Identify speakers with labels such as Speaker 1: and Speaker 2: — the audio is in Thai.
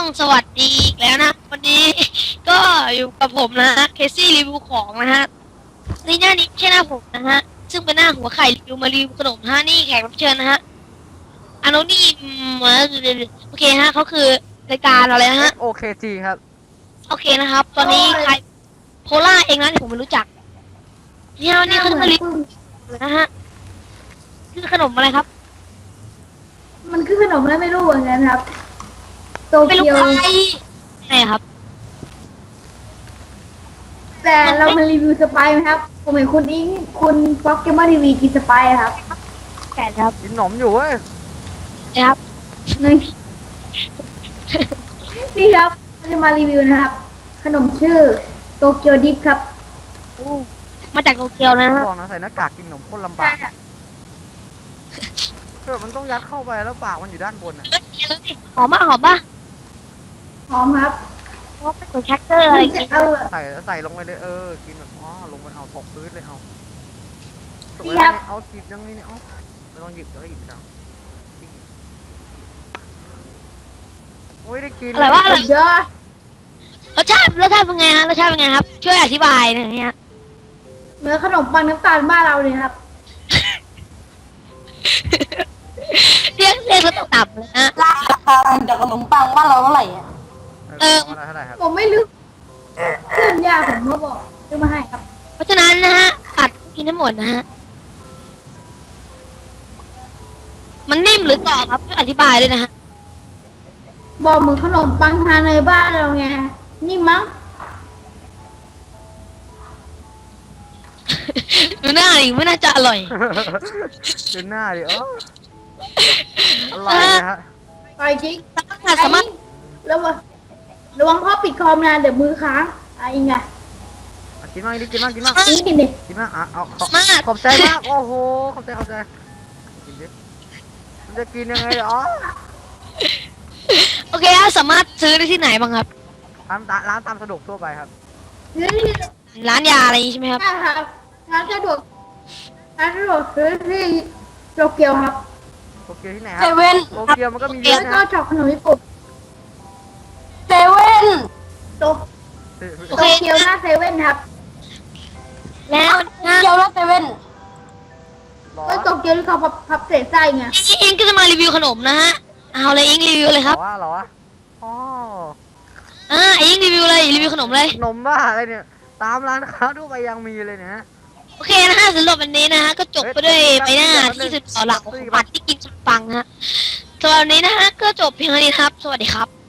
Speaker 1: สวัสดีอีกแล้วนะวันนี้ก็อยู่กับผมนะฮะเคซี่รีวิวของนะฮะนี่หน้านี้ไม่ใช่หน้าผมนะฮะซึ่งเป็นหน้าหัวไข่รีวิวมารีวิวขนมฮะนี่แขกรับเชิญนะฮะอันโนนี่โอเคฮะเขาคือรายการอะไรนะฮะ
Speaker 2: OKG ครับ
Speaker 1: โอเคนะครับ ตอนนี้ใครโพล่าเองนะที่ผมไม่รู้จักเนี่ยวันนี้เขาจะมารีวิวนะฮะคือขนมอะไรครับ
Speaker 3: มันคือขนมอะไรไม่รู้เหมือนกันครับ โต
Speaker 1: ไม่รู้
Speaker 3: เกียว
Speaker 1: ใครไหนครับ
Speaker 3: แต่เรามารีวิวสไปซ์ไหมครับ ผมเห็นคุณอิงคุณฟ็อกเกมเมอร์ทีวีกินสไปซ์ครับ
Speaker 1: แก่ครับ
Speaker 2: กินขนมอยู่เว้ย
Speaker 1: นะครับ
Speaker 3: นี่นี่ครับเราจะมารีวิวนะครับ ขนมชื่อโตเกียวดิฟครับ
Speaker 1: มาจากโตเกียวนะฮะ
Speaker 2: บอกนะใส่หน้ากากกินขนมโคตรลำบากมันต้องยัดเข้าไปแล้วปากมันอยู่ด้านบนอ่ะ
Speaker 1: หอมมากหอมป่ะ
Speaker 3: หอมครับ
Speaker 1: เพราะเป็นแคคเตอร์อะไรอย่าง
Speaker 3: จะ
Speaker 1: เงี้ย
Speaker 3: เอา
Speaker 2: ใส่ลงไปเลยกินแบบลงไปเอาตกพื้นเลยเอาตก
Speaker 3: นี่
Speaker 2: ไป
Speaker 3: ครับ
Speaker 2: เอาหยิบยังนี่เนี่ยไม่ต้องหยิบแล้วหยิบเอาโอ้ยได้กิน
Speaker 1: อะไรวะอะไร
Speaker 3: เยอะ
Speaker 1: รสชาติเป็นไงฮะรสชาติเป็นไงครับ ช่วยอธิบายหน่อยฮะ
Speaker 3: เหมือนขนมปังน้ำตาลบ้านเราเลยครับ
Speaker 1: เรียกรสต่ำเลยฮะ
Speaker 4: ราคาจากขนมปังบ้านเราเท่าไหร่อ่ะ
Speaker 2: เท่าไหร่ครับ
Speaker 3: ผมไม่รู้เพื่อนยาผมมาบอกซื้อมาให้ครับ
Speaker 1: เพราะฉะนั้นนะฮะตัดกินทั้งหมดนะฮะมันนิ่มหรือกรอบครับช่วยอธิบายเลยนะฮะ
Speaker 3: บอกเหมือนขนมปังทานในบ้านเราไงนี่มั้ง
Speaker 1: ดูหน้าดิไม่น่าจะอร่อย
Speaker 2: ดูหน้าดิอร่อยเลยฮะ
Speaker 3: ไปจริง
Speaker 1: สามารถ
Speaker 3: ระวังพ่อปิดคอมนะเดี๋ยวมือค้างอะไรไง
Speaker 2: กินมากกินมาก
Speaker 3: กินดิ
Speaker 2: กินมากเอา
Speaker 1: มาก
Speaker 2: ขอบใจมากโอ้โหขอบใจกินดิมันจะกินยังไง
Speaker 1: โอเคฮะสามารถซื้อได้ที่ไหนบ้างครับ
Speaker 2: ร้านตามสะดวกทั่วไปครับ
Speaker 3: ซื้อที่
Speaker 1: ร้านยาอะไรอย่างงี้ใช่ไหมครับ
Speaker 3: ได้ครับร้านสะดวกซื้อที่โตเกียวครับ
Speaker 2: โตเกียวที่ไหนค
Speaker 4: เซ
Speaker 2: รับ
Speaker 4: เว่น
Speaker 2: โตเกียวมันก็มีเยอะ
Speaker 3: แล้ว
Speaker 2: นะ
Speaker 3: ก็ช็อกขนมญี่ปุ่น
Speaker 4: เซเว่น
Speaker 3: โต
Speaker 1: โอ
Speaker 3: โต
Speaker 1: เค
Speaker 3: เกียวหน้าเซเว่นครับ
Speaker 1: แล้วนะ
Speaker 4: เกียวและเซเว่น
Speaker 2: หรอ
Speaker 3: ก็โตเกียวที่เขาพับเศษไส้ไง
Speaker 1: อิงก็จะมารีวิวขนมนะฮะเอาเลยอิงรีวิวเลยครับ
Speaker 2: หรออ๋อ
Speaker 1: อิงรีวิวเลยรีวิวขนมเลย
Speaker 2: นมบ้าอะไรเนี่ยตามร้านค้าทั่วไปยังมีเลยเนี่ยฮะ
Speaker 1: โอเคนะฮะสำหรับวันนี้นะฮะก็จบไปด้วยใบหน้าที่สุดหล่อเหลาของปัดที่กินสุดปังฮะสำหรับวันนี้นะฮะก็จบเพียงเท่านี้ครับ สวัสดีครับ